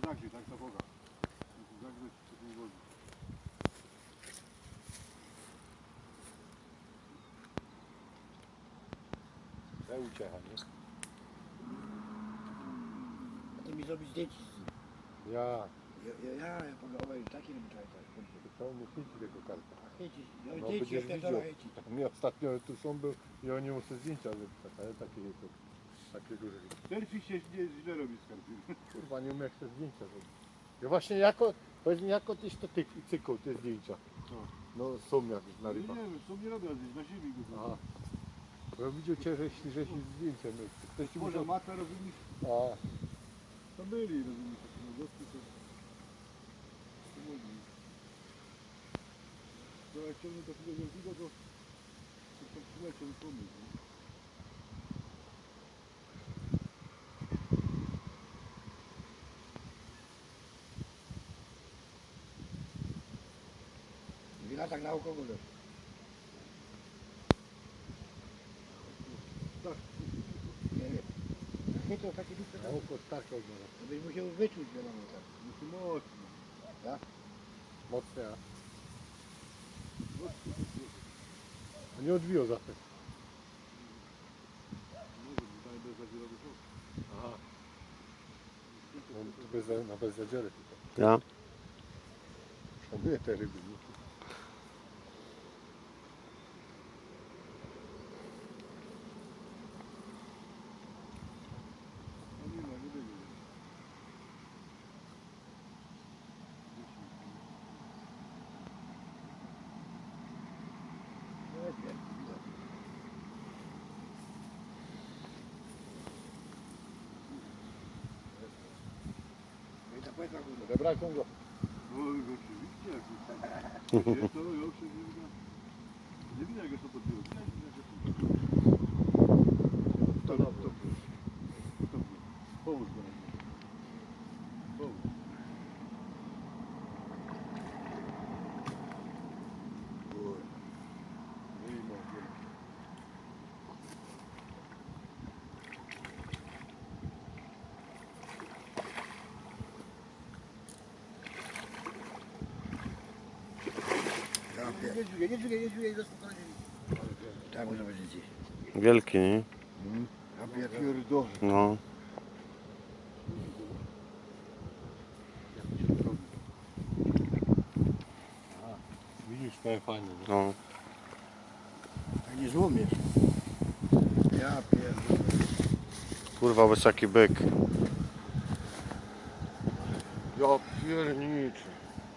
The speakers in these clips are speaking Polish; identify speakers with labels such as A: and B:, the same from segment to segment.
A: zagrzeć, tak za Boga. Zagrzeć w tej wodzie. To uciecha, nie?
B: Chcę mi zrobić zdjęcie.
A: Ja.
B: Ja pogałałem taki robię tak.
A: To mu chyci tego karta.
B: Chycić.
A: No
B: Zdjęcie
A: będziesz
B: jak
A: widział.
B: to chycić.
A: Mi ostatnio tu są był i oni muszą zdjęcia zrobić, ale takie duże. Selfie się źle robi z karty. Kurwa, nie umiem jak te zdjęcia robić. Ja właśnie jako tyś to cykł te zdjęcia. No są jak na rybach. Nie wiem, są nie robią zdjęć, na ziemi go. Aha. Bo widział cię, że zdjęcia miał. Ktoś ci może mata, rozumiesz? A. To byli, rozumiesz, takie młodostki to... To jak ciągnie do tego wielkiego, to tam przyleciał i pomysł.
B: Wina tak na alkoholu.
A: Tak.
B: Nie wiem. Chytło takie duże.
A: Na oko tak odmala.
B: To byś musiał wyczuć wiadomo tak.
A: Musi mocno.
B: Tak?
A: Mocno, ja. A nie odbiło zapach. Aha. Bez zadziery tylko.
C: Ja.
A: Szanuję te ryby. Nie? No nie ma, nie będzie. Odebrałem go. No oczywiście, jak jest to już nie widać jak to podbiło. To połóż go. Połóż.
B: Nie dźwigaj, spokojnie. Tak może być gdzieś.
C: Wielki, nie?
B: Ja pierdolę.
C: No.
A: Widzisz, to fajnie.
C: No.
B: Tak nie złomiesz. Ja pierdolę.
C: Kurwa, wysoki byk.
A: Ja pierniczę.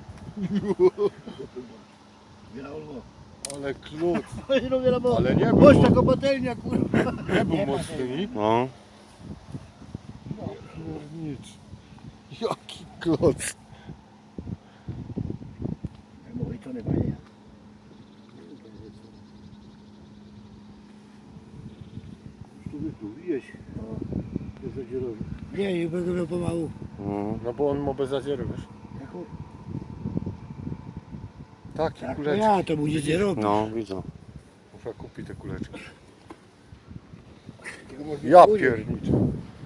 B: Wiele olmo.
A: Ale klucz.
B: Ale
A: Ale nie był,
B: Boż taka patelnia kurwa.
A: nie był mocny, nie?
C: No.
A: Ja pierniczę. Jaki kloc.
B: Mówi to nie panie.
A: Tu widzisz? Bez zadzierowy.
B: Nie będę miał pomału.
A: No bo on ma bez zadzieru, wiesz? Takie
B: Tak,
A: kuleczki.
B: ja to będzie nie robić.
C: No, widzę.
A: Muszę kupić te kuleczki. Ja pierniczę.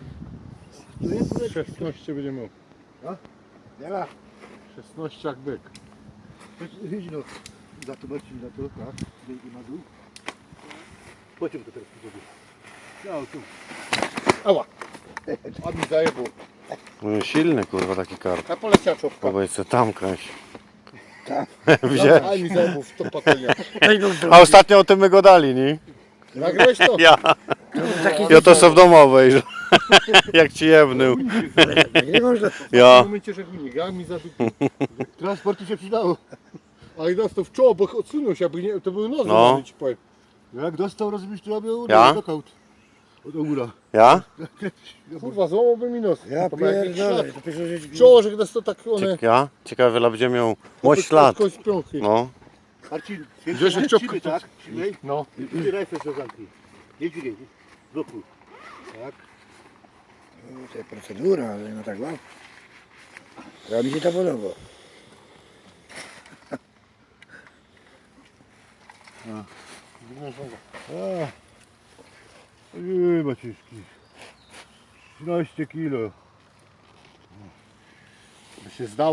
A: 16 będzie miał.
B: Wiela.
A: 16 jak byk.
B: Idź no. Za to Marcin, za to. Tak. Dzięki na dół. Pociąg to teraz zrobię.
A: Ja tu. Ała. A mi zajebał.
C: No, silny, kurwa, taki karp.
A: A poleciała czopka.
C: Powiedz se tam kręć.
B: Tak.
C: Widziałeś?
A: A mi zajebał w to patelnia.
C: A ostatnio o tym my go dali, nie?
A: Nagrałeś to?
C: Ja. Ja to są w domowej, że... Jak ci jebnął.
B: Nie można.
C: Ja.
A: W momencie, że gunik, ja mi zadupił. Transportu się przydało. Ale dostał w czoło, bo odsunął się, aby nie, to był nos,
C: No.
A: ci powiem. Jak dostał, rozumiesz, to robił
C: Ja?
A: knockout. Od góra.
C: Ja?
A: Kurwa, złamałby mi nos.
B: Ja
A: To ma jakiś
B: pierdolę.
A: ślad.
B: To pierwsze rzecz.
A: W czoło, że dostał tak one...
C: Ja? Ciekawe, ile będzie miał mość lat. No.
B: Marcin,
A: Grzesiek czopkę.
B: tak? Trzymaj.
A: No.
B: I ręce się zamknij. Nie dźwigaj. Blokuj. Tak. To jest procedura, ale no tak łap. Ja mi się to podoba.
A: Ojej, Maciejski. 13 kilo. się zdało.